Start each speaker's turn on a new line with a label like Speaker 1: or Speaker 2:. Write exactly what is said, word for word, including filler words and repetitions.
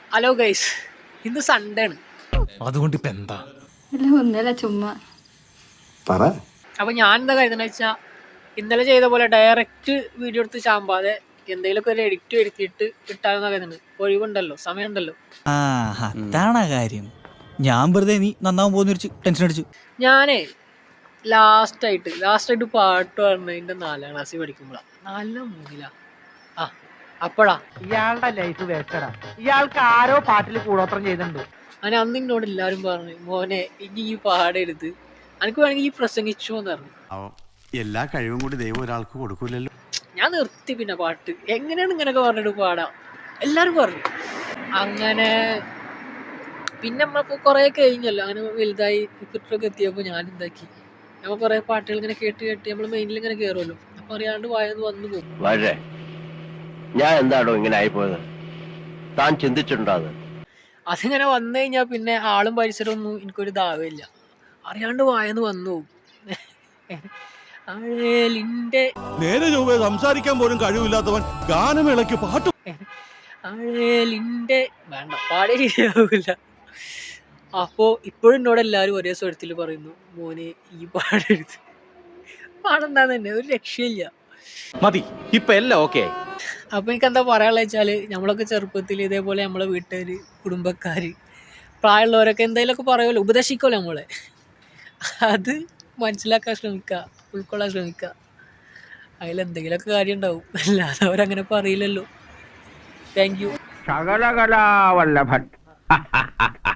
Speaker 1: Hello guys, ഇന്ന് Sunday ആണ്.
Speaker 2: അതുകൊണ്ട് ഇപ്പൊ എന്താ?
Speaker 3: ഒന്നല്ല ചുമ്മാ
Speaker 4: പറ.
Speaker 1: അപ്പൊ ഞാൻ എന്താ കരുതുന്ന വെച്ചാൽ ഇന്നലെ ചെയ്ത പോലെ ഡയറക്റ്റ് വീഡിയോ എടുത്ത് ചാമ്പാതെ എന്തെങ്കിലുമൊക്കെ ഒരു എഡിറ്റ് വരുത്തിയിട്ട് ഇട്ടാലെന്നാ കരുതുന്നത്. ഒഴിവുണ്ടല്ലോ, സമയമുണ്ടല്ലോ.
Speaker 2: ആ അതാണ് കാര്യം. ഞാൻ വെറുതെ നീ നന്നാവാൻ പോകുന്ന ടെൻഷൻ അടിച്ചു.
Speaker 1: ഞാനേ ലാസ്റ്റായിട്ട് ലാസ്റ്റായിട്ട് പാട്ട് പാടുന്നതിൻ്റെ നാലാം ക്ലാസ്സിൽ പഠിക്കുമ്പോഴാണ്. നാലിലോ മൂന്നിലാ ആ അപ്പോഴാ
Speaker 5: ഇയാളുടെ ലൈഫ് വേസ്റ്റഡാ. ഇയാൾക്ക് ആരോ പാട്ടിൽ കൂടോത്രം ചെയ്തിട്ടുണ്ട്.
Speaker 1: അങ്ങനെ അന്ന് എന്നോട് എല്ലാവരും പറഞ്ഞു, മോനെ ഇനി ഈ പാടരുത്, എനിക്ക് വേണമെങ്കിൽ ഈ പ്രസംഗിച്ചു എന്ന് പറഞ്ഞു.
Speaker 4: എല്ലാ കഴിവും കൂടി ദൈവം ഒരാൾക്ക് കൊടുക്കൂലല്ലോ.
Speaker 1: ഞാൻ നിർത്തി. പിന്നെ പാട്ട് എങ്ങനെയാണ് ഇങ്ങനെയൊക്കെ പറഞ്ഞിട്ട് പാടാം എല്ലാവരും പറഞ്ഞു. അങ്ങനെ പിന്നെ നമ്മളിപ്പോൾ കുറേ കഴിഞ്ഞല്ലോ, അങ്ങനെ വലുതായി ഇപ്പത്തൊക്കെ എത്തിയപ്പോൾ ഞാൻ എന്താക്കി, നമ്മൾ കുറേ പാട്ടുകൾ ഇങ്ങനെ കേട്ട് കേട്ട് നമ്മൾ മെയിനിൽ ഇങ്ങനെ കയറുമല്ലോ. അപ്പം അറിയാണ്ട് വായന്ന് വന്നു പോകും.
Speaker 6: വളരെ ഞാൻ എന്താണോ ഇങ്ങനെ ആയിപ്പോയത്, താൻ ചിന്തിച്ചിട്ടുണ്ടോ? അത്
Speaker 1: അതിങ്ങനെ വന്നു കഴിഞ്ഞാൽ പിന്നെ ആളും പരിസരമൊന്നും എനിക്കൊരു ദാവമില്ല, അറിയാണ്ട് വായന്ന് വന്നു പോകും. അഴലിൻ്റെ
Speaker 7: നേരെ ചൊവ്വേ സംസാരിക്കാൻ പോലും കഴിവില്ലാത്തവൻ ഗാനമേളയ്ക്ക് പാട്ട്
Speaker 1: അഴലിൻ്റെ വേണ്ട പാടിയ ശരിയാവില്ല. അപ്പോൾ ഇപ്പോഴും എന്നോട് എല്ലാവരും ഒരേ സ്വരത്തിൽ പറയുന്നു, മോനെ ഈ പാടരുത്. പാടണ്ടാന്ന് തന്നെ, ഒരു രക്ഷയില്ല.
Speaker 8: മതി, ഇപ്പൊ എല്ലാം ഓക്കെ.
Speaker 1: അപ്പോൾ എനിക്ക് എന്താ പറയാനുള്ള വെച്ചാൽ, നമ്മളൊക്കെ ചെറുപ്പത്തിൽ ഇതേപോലെ നമ്മളെ വീട്ടുകാർ, കുടുംബക്കാർ, പ്രായമുള്ളവരൊക്കെ എന്തെങ്കിലുമൊക്കെ പറയുമല്ലോ, ഉപദേശിക്കുമല്ലോ നമ്മളെ. അത് മനസ്സിലാക്കാൻ ശ്രമിക്കുക, ഉൾക്കൊള്ളാൻ ശ്രമിക്കുക. അതിലെന്തെങ്കിലുമൊക്കെ കാര്യം ഉണ്ടാവും, അല്ലാതെ അവരങ്ങനെ പറയില്ലല്ലോ. Thank you.
Speaker 5: ശകലകലാവല്ലഭൻ.